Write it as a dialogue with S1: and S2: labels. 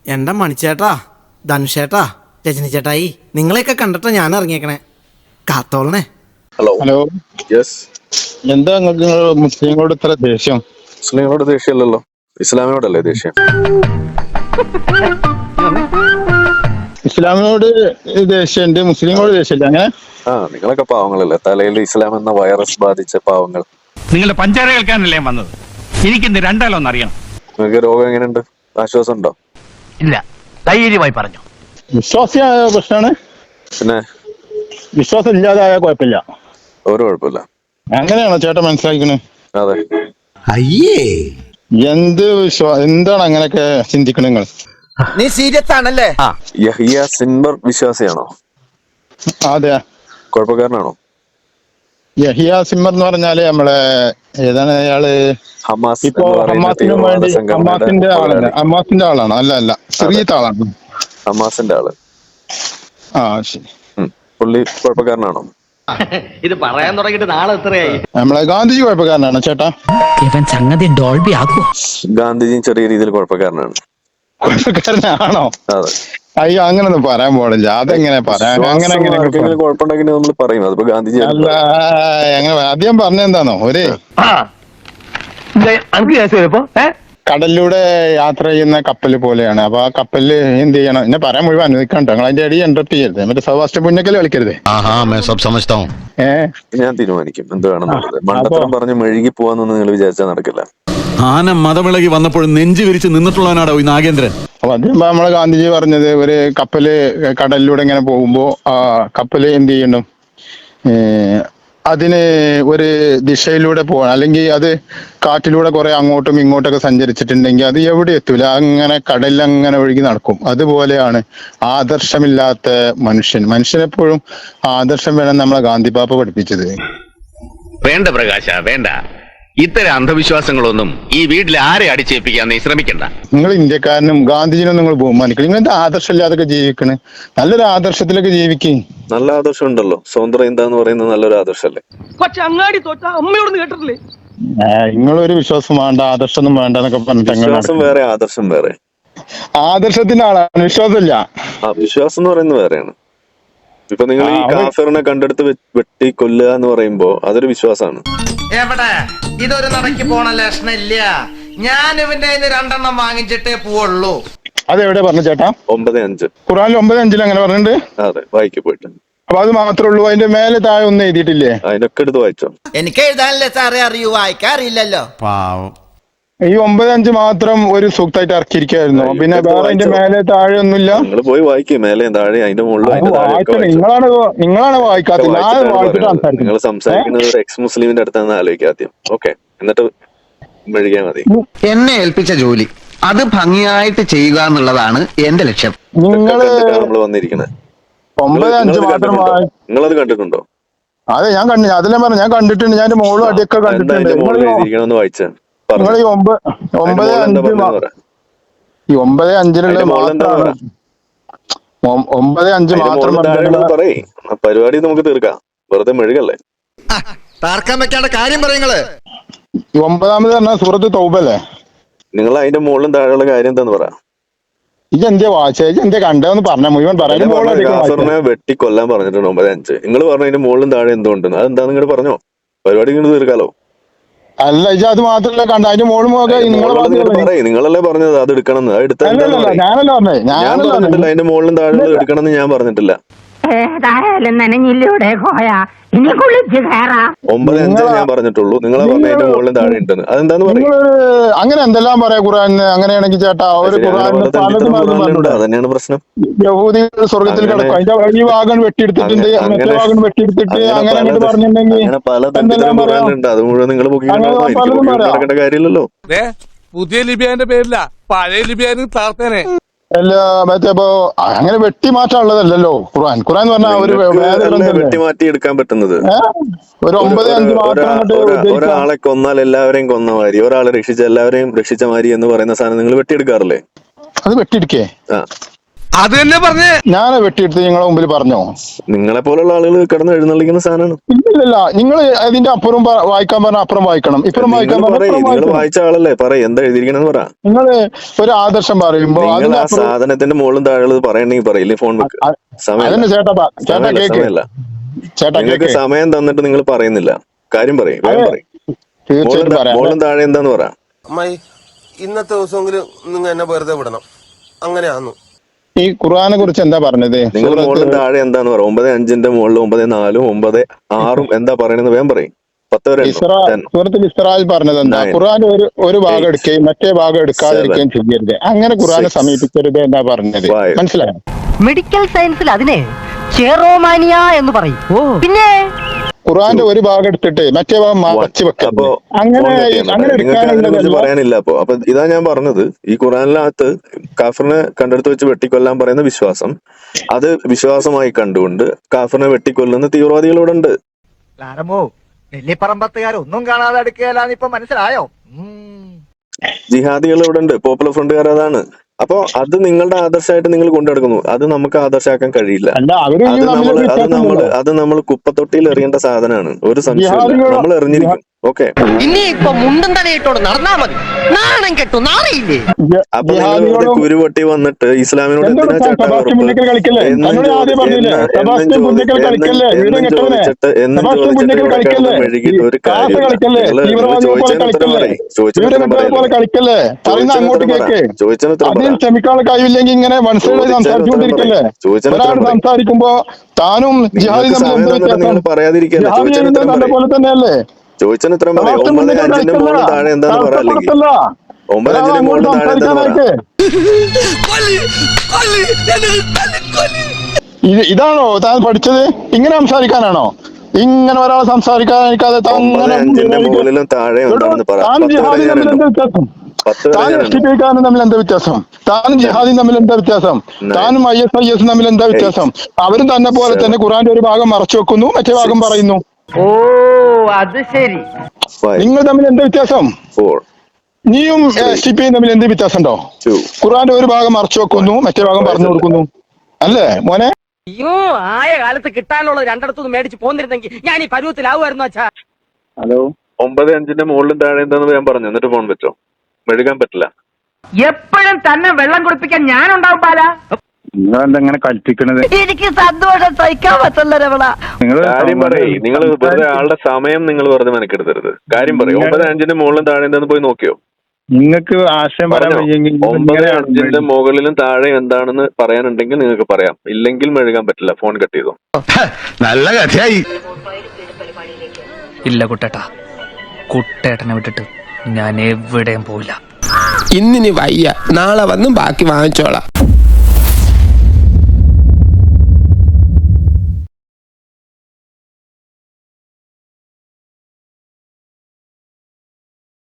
S1: എൻ്റെ മണിച്ചേട്ടാ, ധനുഷേട്ടാ, രജനി ചേട്ടായി, നിങ്ങളെയൊക്കെ കണ്ടിട്ടാ ഞാൻ ഇറങ്ങിയേക്കണേ. കാത്തോളണേ.
S2: Hello
S3: hello.
S2: യെസ്.
S3: എന്താ നിങ്ങൾക്ക് മുസ്ലിങ്ങളോട് ഇത്ര ദേഷ്യം?
S2: മുസ്ലിങ്ങളോട് ദേഷ്യമല്ലല്ലോ, ഇസ്ലാമിനോടല്ലേ ദേഷ്യം.
S3: ഇസ്ലാമിനോട് ദേഷ്യമുണ്ട്, മുസ്ലിങ്ങളോട് ദേഷ്യമില്ല. അങ്ങനെ
S2: നിങ്ങളൊക്കെ പാവങ്ങളല്ലേ, തലയിൽ ഇസ്ലാം എന്ന വൈറസ് ബാധിച്ച പാവങ്ങൾ.
S4: നിങ്ങളുടെ പഞ്ചാര കേൾക്കാനല്ലേ വന്നത്? എനിക്കിന്ന് രണ്ടാലൊന്നും അറിയണം.
S2: നിങ്ങൾക്ക് രോഗം എങ്ങനെയുണ്ട്? ആശ്വാസം ഉണ്ടോ?
S4: ഇല്ല, ധൈര്യമായി പറഞ്ഞു.
S3: വിശ്വാസിയായ പ്രശ്നമാണ്.
S2: പിന്നെ
S3: വിശ്വാസം ഇല്ലാതായ കുഴപ്പമില്ല.
S2: ഒരു കുഴപ്പമില്ല.
S3: അങ്ങനെയാണോ ചേട്ടൻ മനസ്സിലാക്കണേ?
S2: അതെ.
S3: എന്താണ് അങ്ങനെയൊക്കെ ചിന്തിക്കണ നിങ്ങൾ?
S1: നീ സീരിയസ് ആണല്ലേ?
S2: യഹിയ സിൻവർ വിശ്വാസിയാണോ?
S3: അതെ.
S2: കുഴപ്പക്കാരനാണോ?
S3: യഹിയ സിമ്മർ എന്ന് പറഞ്ഞാല് നമ്മളെ ഏതാണ് അയാള്?
S2: ഹമാസ്
S3: ഇപ്പൊ ഹമാസിനും വേണ്ടി ഹമാസിന്റെ ആളാണ്. അല്ല സിറിയത്തെ ആളാണ്.
S2: ഹമാസിന്റെ ആള്.
S3: ശരി.
S2: പുള്ളി കുഴപ്പക്കാരനാണോ?
S5: ഇത് പറയാൻ തുടങ്ങിയിട്ട് നാളെ എത്രയായി?
S3: നമ്മളെ ഗാന്ധിജി കുഴപ്പക്കാരനാണ് ചേട്ടാ.
S5: ഇവൻ സംഗതി ഡോൾബി ആക്കൂ.
S2: ഗാന്ധിജിയും ചെറിയ രീതിയിൽ കുഴപ്പക്കാരനാണ്.
S3: കുഴപ്പക്കാരനാണോ?
S2: അതെ.
S3: അയ്യോ, അങ്ങനൊന്നും പറയാൻ പാടില്ല. അതെങ്ങനെ പറയാൻ? അങ്ങനെ
S2: കുഴപ്പമുണ്ടെങ്കിൽ നമ്മൾ പറയും. അതിപ്പോ ഗാന്ധിജി
S3: അല്ല, അങ്ങനെ ആദ്യം പറഞ്ഞെന്താണോ, ഒരു കടലിലൂടെ യാത്ര ചെയ്യുന്ന കപ്പൽ പോലെയാണ്. അപ്പൊ ആ കപ്പലില് എന്ത് ചെയ്യണം എന്നെ പറയാൻ മുഴുവൻ അനുവദിക്കണ്ട. നിങ്ങൾ അതിന്റെ അടി ഇന്റർപ്റ്റ് ചെയ്യരുത്. മറ്റേ സവാസ്റ്റ് പുന്നക്കല് കളിക്കരുത്.
S2: ഞാൻ തീരുമാനിക്കും എന്ത് വേണമെന്നുള്ളത്. മണ്ടത്തരം പറഞ്ഞ് മെഴുകി പോവാന്നൊന്നും നിങ്ങൾ വിചാരിച്ചാൽ നടക്കില്ല.
S6: ആന മതമിളകി വന്നപ്പോഴും നെഞ്ചു വിരിച്ച് നിന്നിട്ടുള്ളവനാടോ ഈ നാഗേന്ദ്രൻ.
S3: അപ്പൊ അത് നമ്മളെ ഗാന്ധിജി പറഞ്ഞത്, ഒരു കപ്പല് കടലിലൂടെ ഇങ്ങനെ പോകുമ്പോ ആ കപ്പല് എന്ത് ചെയ്യണം, അതിന് ഒരു ദിശയിലൂടെ പോകണം. അല്ലെങ്കിൽ അത് കാറ്റിലൂടെ കുറെ അങ്ങോട്ടും ഇങ്ങോട്ടൊക്കെ സഞ്ചരിച്ചിട്ടുണ്ടെങ്കിൽ അത് എവിടെ എത്തൂല, അങ്ങനെ കടലിൽ അങ്ങനെ ഒഴുകി നടക്കും. അതുപോലെയാണ് ആദർശമില്ലാത്ത മനുഷ്യനെപ്പോഴും ആദർശം വേണം നമ്മളെ ഗാന്ധി പാപ്പ പഠിപ്പിച്ചത്.
S7: വേണ്ട പ്രകാശ, വേണ്ട. ഇത്തരം അന്ധവിശ്വാസങ്ങളൊന്നും ഈ വീട്ടിൽ ആരെ അടിച്ചേൽപ്പിക്കാൻ നീ ശ്രമിക്കണ്ട.
S3: നിങ്ങൾ ഇന്ത്യക്കാരനും ഗാന്ധിജിനും നിങ്ങൾ ബഹുമാനിക്കണം. നിങ്ങൾ ആദർശമില്ലാതൊക്കെ ജീവിക്കണ്. നല്ലൊരു ആദർശത്തിലൊക്കെ ജീവിക്കും.
S2: നല്ല ആദർശം ഉണ്ടല്ലോ. സ്വതന്ത്ര എന്താന്ന് പറയുന്നത് നല്ലൊരു ആദർശമല്ലേ?
S5: പക്ഷെ അങ്ങാടി തോറ്റ അമ്മയോട് കേട്ടിട്ടില്ലേ?
S3: നിങ്ങളൊരു വിശ്വാസം വേണ്ട, ആദർശമൊന്നും വേണ്ട എന്നൊക്കെ പറഞ്ഞിട്ട്
S2: വിശ്വാസം വേറെ, ആദർശം വേറെ.
S3: ആദർശത്തിന്റെ ആളാണ്, വിശ്വാസമില്ല.
S2: വിശ്വാസം എന്ന് പറയുന്നത് വേറെയാണ്. ഇപ്പൊ നിങ്ങൾ ഈ കാഫിറിനെ കണ്ടെടുത്ത് വെട്ടി കൊല്ലുക എന്ന് പറയുമ്പോ അതൊരു വിശ്വാസമാണ്.
S1: എവിടെ ഇതൊരു നടക്കി പോണ ലക്ഷണില്ല. ഞാൻ ഇവന്റെ രണ്ടെണ്ണം വാങ്ങിച്ചിട്ടേ പോവുള്ളൂ.
S3: അതെവിടെ പറഞ്ഞു ചേട്ടാ?
S2: 9:5
S3: ഖുറാനിൽ 9:5 അങ്ങനെ പറഞ്ഞിട്ടുണ്ട്.
S2: അതെ, വായിക്ക് പോയിട്ട്.
S3: അപ്പൊ അത് മാത്രമേ ഉള്ളൂ? അതിന്റെ മേലെ താഴെ ഒന്നും എഴുതിയിട്ടില്ലേ?
S2: അതിനൊക്കെ എടുത്ത് വായിച്ചോ.
S1: എനിക്ക് എഴുതാനല്ലേ സാറേ അറിയൂ, വായിക്കാറില്ലല്ലോ.
S6: പാവം.
S3: ഈ 9:5 മാത്രം ഒരു സൂക്തായിട്ട് ഇറക്കിയിരിക്കായിരുന്നു. പിന്നെ വേറെ അതിന്റെ മേലെ താഴെ ഒന്നുമില്ല.
S2: നിങ്ങൾ പോയി വായിക്കും, മേലെയും താഴെ അതിന്റെ മുകളിൽ.
S3: നിങ്ങളാണ് വായിക്കാത്തത്. ഞാൻ വായിച്ചിട്ട് സംസാരിക്കും.
S2: നിങ്ങൾ സംസാരിക്കുന്നത് ഒരു എക്സ് മുസ്ലിമിന്റെ അടുത്താണെന്ന് ആലോചിക്കുക ആദ്യം. ഓക്കെ, എന്നിട്ട് മെഴുകിയാൽ മതി.
S8: എന്നെ ഏൽപ്പിച്ച ജോലി അത് ഭംഗിയായിട്ട് ചെയ്യുക എന്നുള്ളതാണ് എന്റെ ലക്ഷ്യം.
S2: നമ്മൾ വന്നിരിക്കുന്നത്
S3: 9:5 മാത്രം
S2: നിങ്ങളത് കണ്ടിട്ടുണ്ടോ?
S3: അതെ, ഞാൻ കണ്ടു. അതെല്ലാം പറഞ്ഞു, ഞാൻ കണ്ടിട്ടുണ്ട്. ഞാൻ മോളും അടിയൊക്കെ കണ്ടിട്ടുണ്ട്.
S2: ഒന്ന് വായിച്ച
S3: നിങ്ങൾ ഈ 9:5 മാത്രമാണ്. 9:5 മാത്രം
S2: പറയേ. പരിപാടി നമുക്ക് തീർക്കാം, വെറുതെ മെഴുകല്ലേ.
S8: തർക്കം വെക്കാണ്ട കാര്യം പറയുങ്ങള്.
S3: 9ാമത് പറഞ്ഞ സൂറത്ത് തൗബല്ലേ?
S2: നിങ്ങൾ അതിന്റെ മുകളിലും താഴെയുള്ള കാര്യം എന്താന്ന് പറ.
S3: ഇതെന്താ വായിച്ച, എന്താ കണ്ടെന്ന് പറഞ്ഞ മുഴുവൻ
S2: കാഫറിനെ വെട്ടി കൊല്ലാൻ പറഞ്ഞിട്ടുണ്ട് 9:5. നിങ്ങൾ പറഞ്ഞു അതിന്റെ മുകളിലും താഴെ എന്തുകൊണ്ട്, അതെന്താ നിങ്ങൾ പറഞ്ഞോ? പരിപാടി ഇങ്ങനെ തീർക്കാലോ.
S3: അല്ല, ഇത് അത് മാത്രല്ല കണ്ട, അതിന്റെ മോളും
S2: നിങ്ങളല്ലേ പറഞ്ഞത് അത് എടുക്കണം എന്ന്.
S3: ഞാനല്ല പറഞ്ഞിട്ടില്ല.
S2: അതിന്റെ മുകളിലും താഴെ എടുക്കണം എന്ന് ഞാൻ പറഞ്ഞിട്ടില്ല.
S9: ഏതായാലും നനഞ്ഞില്ലൂടെ കോയ, ഇനി കുളിച്ച് കയറാം.
S2: 9:5 ഞാൻ പറഞ്ഞിട്ടുള്ളൂ. നിങ്ങളെ പറഞ്ഞ അതിന്റെ മുകളിലും താഴെ ഉണ്ടെന്ന്. അതെന്താന്ന് പറയും.
S3: അങ്ങനെ എന്തെല്ലാം പറയാ ഖുറാനിന്. അങ്ങനെയാണെങ്കിൽ ചേട്ടാ, ഒരു
S2: അതന്നെയാണ് പ്രശ്നം.
S3: യഹൂദി സ്വർഗത്തിൽ കിടക്കും. അതിന്റെ ഈ ഭാഗം വെട്ടിയെടുത്തിട്ടുണ്ട്, മറ്റേ ഭാഗം വെട്ടിയെടുത്തിട്ട് അങ്ങനെ പറഞ്ഞിട്ടുണ്ടെങ്കിൽ
S2: പല ഖുറാനിലുണ്ട്. അത് മുഴുവൻ നിങ്ങൾ നടക്കേണ്ട കാര്യമില്ലല്ലോ.
S4: പുതിയ ലിബിയാന്റെ പേരില്ല, പഴയ ലിബിയാന് താർത്തേനെ.
S3: അല്ല, മറ്റേപ്പോ അങ്ങനെ വെട്ടി മാറ്റാനുള്ളതല്ലോ ഖുറാൻ. ഖുറാൻ പറഞ്ഞാൽ ഒരു
S2: വെട്ടിമാറ്റി എടുക്കാൻ പറ്റുന്നത്.
S3: ഒരു 9:5 മാത്രം.
S2: ഒരാളെ കൊന്നാൽ എല്ലാവരെയും കൊന്ന മാതിരി, ഒരാളെ രക്ഷിച്ച എല്ലാവരെയും രക്ഷിച്ച മാതിരി എന്ന് പറയുന്ന സാധനം നിങ്ങൾ വെട്ടിയെടുക്കാറില്ലേ?
S3: അത് വെട്ടിയെടുക്കേ?
S4: അത് തന്നെ പറഞ്ഞേ.
S3: ഞാൻ വെട്ടിയെടുത്ത് നിങ്ങളെ മുമ്പിൽ പറഞ്ഞോ?
S2: നിങ്ങളെ പോലുള്ള ആളുകൾ കിടന്ന് എഴുന്നള്ളിക്കുന്ന സാധനമാണ്.
S3: ഇല്ലല്ല, നിങ്ങൾ അതിന്റെ അപ്പുറം വായിക്കാൻ പറഞ്ഞ അപ്പുറം വായിക്കണം, ഇപ്പുറം വായിക്കാൻ പറഞ്ഞ
S2: നിങ്ങൾ
S3: വായിക്കണം.
S2: വായിച്ച ആളല്ലേ, പറയും എന്താ എഴുതിയിരിക്കണെന്ന് പറ.
S3: നിങ്ങൾ ഒരു ആദർശം പറയുമ്പോ
S2: നിങ്ങൾ ആ സാധനത്തിന്റെ മുകളിലും താഴെ പറയണെങ്കിൽ പറയില്ലേ, ഫോൺ വെക്ക്.
S3: അതന്നെ ചേട്ടാ കേക്ക്
S2: സമയമല്ല.
S3: ചേട്ടാ
S2: നിങ്ങൾക്ക്
S3: കേക്ക്.
S2: സമയം തന്നിട്ട് നിങ്ങൾ പറയുന്നില്ല. കാര്യം പറയും, വേഗം പറയും.
S3: തീർച്ചയായിട്ടും പറയാം.
S2: മുകളിലും താഴെ എന്താന്ന് പറ.
S10: അമ്മായി ഇന്നത്തെ ദിവസമെങ്കിലും നിങ്ങൾ എന്നെ വെറുതെ വിടണം. അങ്ങനെയാന്നു.
S3: ഈ ഖുർആനെ കുറിച്ച് എന്താ പറഞ്ഞത്?
S2: നിങ്ങൾ മുകളിലും താഴെ എന്താന്ന് പറ. 9:5 മുകളിൽ 9:4 9:6 എന്താ പറയണെന്ന് വേഗം പറയും. 10 വരെ
S3: സൂറത്തുൽ ഇസ്രായിൽ പറഞ്ഞത് എന്താ? ഖുർആൻ ഒരു ഭാഗം എടുക്കുകയും മറ്റേ ഭാഗം എടുക്കാതിരിക്കുകയും ചെയ്യരുത്. അങ്ങനെ ഖുർആനെ സമീപിക്കരുത് എന്നാ പറഞ്ഞത്. മനസ്സിലായോ?
S9: മെഡിക്കൽ സയൻസിൽ അതിനെ ചെറോമാനിയ എന്ന് പറയും. പിന്നെ
S3: ഖുർആന്റെ ഒരു ഭാഗം എടുത്തിട്ട് മറ്റേ ഭാഗം മറച്ചു വെക്കരുത്. അങ്ങനെ എടുക്കാനുള്ളതല്ല.
S2: പറയാനില്ല. അപ്പൊ ഇതാ ഞാൻ പറഞ്ഞത്, ഈ ഖുറാനിനകത്ത് കാഫറിനെ കണ്ടെടുത്ത് വെച്ച് വെട്ടിക്കൊല്ലാൻ പറയുന്ന വിശ്വാസം, അത് വിശ്വാസമായി കണ്ടുകൊണ്ട് കാഫറിനെ വെട്ടിക്കൊല്ലുന്ന തീവ്രവാദികളോട് ഉണ്ട്.
S5: നെല്ലിപ്പറമ്പത്തുകാരൊന്നും കാണാതെ അടുക്കുകയല്ലാന്ന് ഇപ്പൊ മനസ്സിലായോ?
S2: ജിഹാദികൾ ഇവിടെ ഉണ്ട്, പോപ്പുലർ ഫ്രണ്ടുകാർ അതാണ്. അപ്പൊ അത് നിങ്ങളുടെ ആദർശമായിട്ട് നിങ്ങൾ കൊണ്ടുനടക്കുന്നു. അത് നമുക്ക് ആദർശമാക്കാൻ കഴിയില്ല. അത് നമ്മൾ കുപ്പത്തൊട്ടിയിൽ എറിയേണ്ട സാധനമാണ്. ഒരു സംശയമില്ല, നമ്മൾ എറിഞ്ഞിരിക്കും. ഓക്കെ,
S5: ഇനി ഇപ്പൊ മുണ്ടും തലയിട്ടോട് നടന്നാ മതി. നാണം കെട്ടു നാറിയില്ലേ?
S2: അപ്പൊ നിങ്ങൾ കുരുപൊട്ടി വന്നിട്ട് ഇസ്ലാമിനോട് എന്തിനാ ചാട്ടാവറുപ്പ് മെഴുകിട്ട് ഒരു കാര്യം
S3: സംസാരിക്കുമ്പോ താനും
S2: പറയാതിരിക്കല്ലേ തന്നെയല്ലേ ചോദിച്ചാൽ ഇത്ര പറയാം. 9:5 മുകളിൽ താഴെ എന്താന്ന് പറയാ. അല്ലെങ്കിൽ 9:5 മുകളിൽ താഴെ എന്താന്ന് പറയാ.
S3: ഇതാണോ താൻ പഠിച്ചത്? ഇങ്ങനെ സംസാരിക്കാനാണോ? ഇങ്ങനെ ഒരാൾ സംസാരിക്കാനിരിക്കാതെ
S2: 9:5 മുകളിലും താഴെ എന്താണെന്ന് പറയാം.
S3: താനും ജിഹാദിയും തമ്മിൽ എന്താ വ്യത്യാസം? താനും ജിഹാദിയും തമ്മിൽ എന്താ വ്യത്യാസം? താനും IS തമ്മിൽ എന്താ വ്യത്യാസം? അവരും തന്നെ പോലെ തന്നെ ഖുറാന്റെ ഒരു ഭാഗം മറച്ചു വെക്കുന്നു, മറ്റേ ഭാഗം പറയുന്നു.
S5: ഓ അത് ശരി.
S3: നിങ്ങൾ തമ്മിൽ എന്താ വ്യത്യാസം? നീയും STPയും തമ്മിൽ എന്ത് വ്യത്യാസം ഉണ്ടോ? ഖുറാന്റെ ഒരു ഭാഗം മറച്ചു വെക്കുന്നു, മറ്റേ ഭാഗം പറഞ്ഞു കൊടുക്കുന്നു, അല്ലേ മോനെ?
S5: അയ്യോ, ആയ കാലത്ത് കിട്ടാനുള്ളത് രണ്ടിടത്തുനിന്ന് മേടിച്ച് പോന്നിരുന്നെങ്കിൽ ഞാൻ ഈ പരുവത്തിലാവുമായിരുന്നു അച്ഛാ.
S2: ഹലോ, 9:5 മുകളിലും താഴെ എന്താന്ന് ഞാൻ പറഞ്ഞു. എന്നിട്ട് ഫോൺ വെച്ചോ. മെഴുകാൻ പറ്റില്ല.
S9: എപ്പോഴും തന്നെ വെള്ളം കുടിപ്പിക്കാൻ ഞാനുണ്ടാവും പാല.
S3: നിങ്ങളെന്തെങ്ങനെ കൽപ്പിക്കണത്?
S9: എനിക്ക് സന്തോഷം സഹിക്കാൻ പറ്റില്ല രമണ.
S2: കാര്യം പറയും. നിങ്ങൾ വെറുതെ ആളുടെ സമയം നിങ്ങൾ വെറുതെ മെനക്കെടുത്തരുത്. കാര്യം പറയും. 9:5 മുകളിലും താഴെ എന്താന്ന് പോയി നോക്കിയോ?
S3: നിങ്ങൾക്ക് ആശയം പറയാൻ
S2: 9:5 മുകളിലും താഴെ എന്താണെന്ന് പറയാനുണ്ടെങ്കിൽ നിങ്ങൾക്ക് പറയാം. ഇല്ലെങ്കിൽ മെഴുകാൻ പറ്റില്ല. ഫോൺ കട്ട് ചെയ്തോ.
S8: നല്ല കഥയായി.
S5: ഇല്ല കുട്ടേട്ടാ, കുട്ടേട്ടനെ വിട്ടിട്ട് ഞാൻ എവിടെയും പോവില്ല.
S10: ഇന്നിനി വയ്യ, നാളെ വന്നും ബാക്കി വാങ്ങിച്ചോളാം.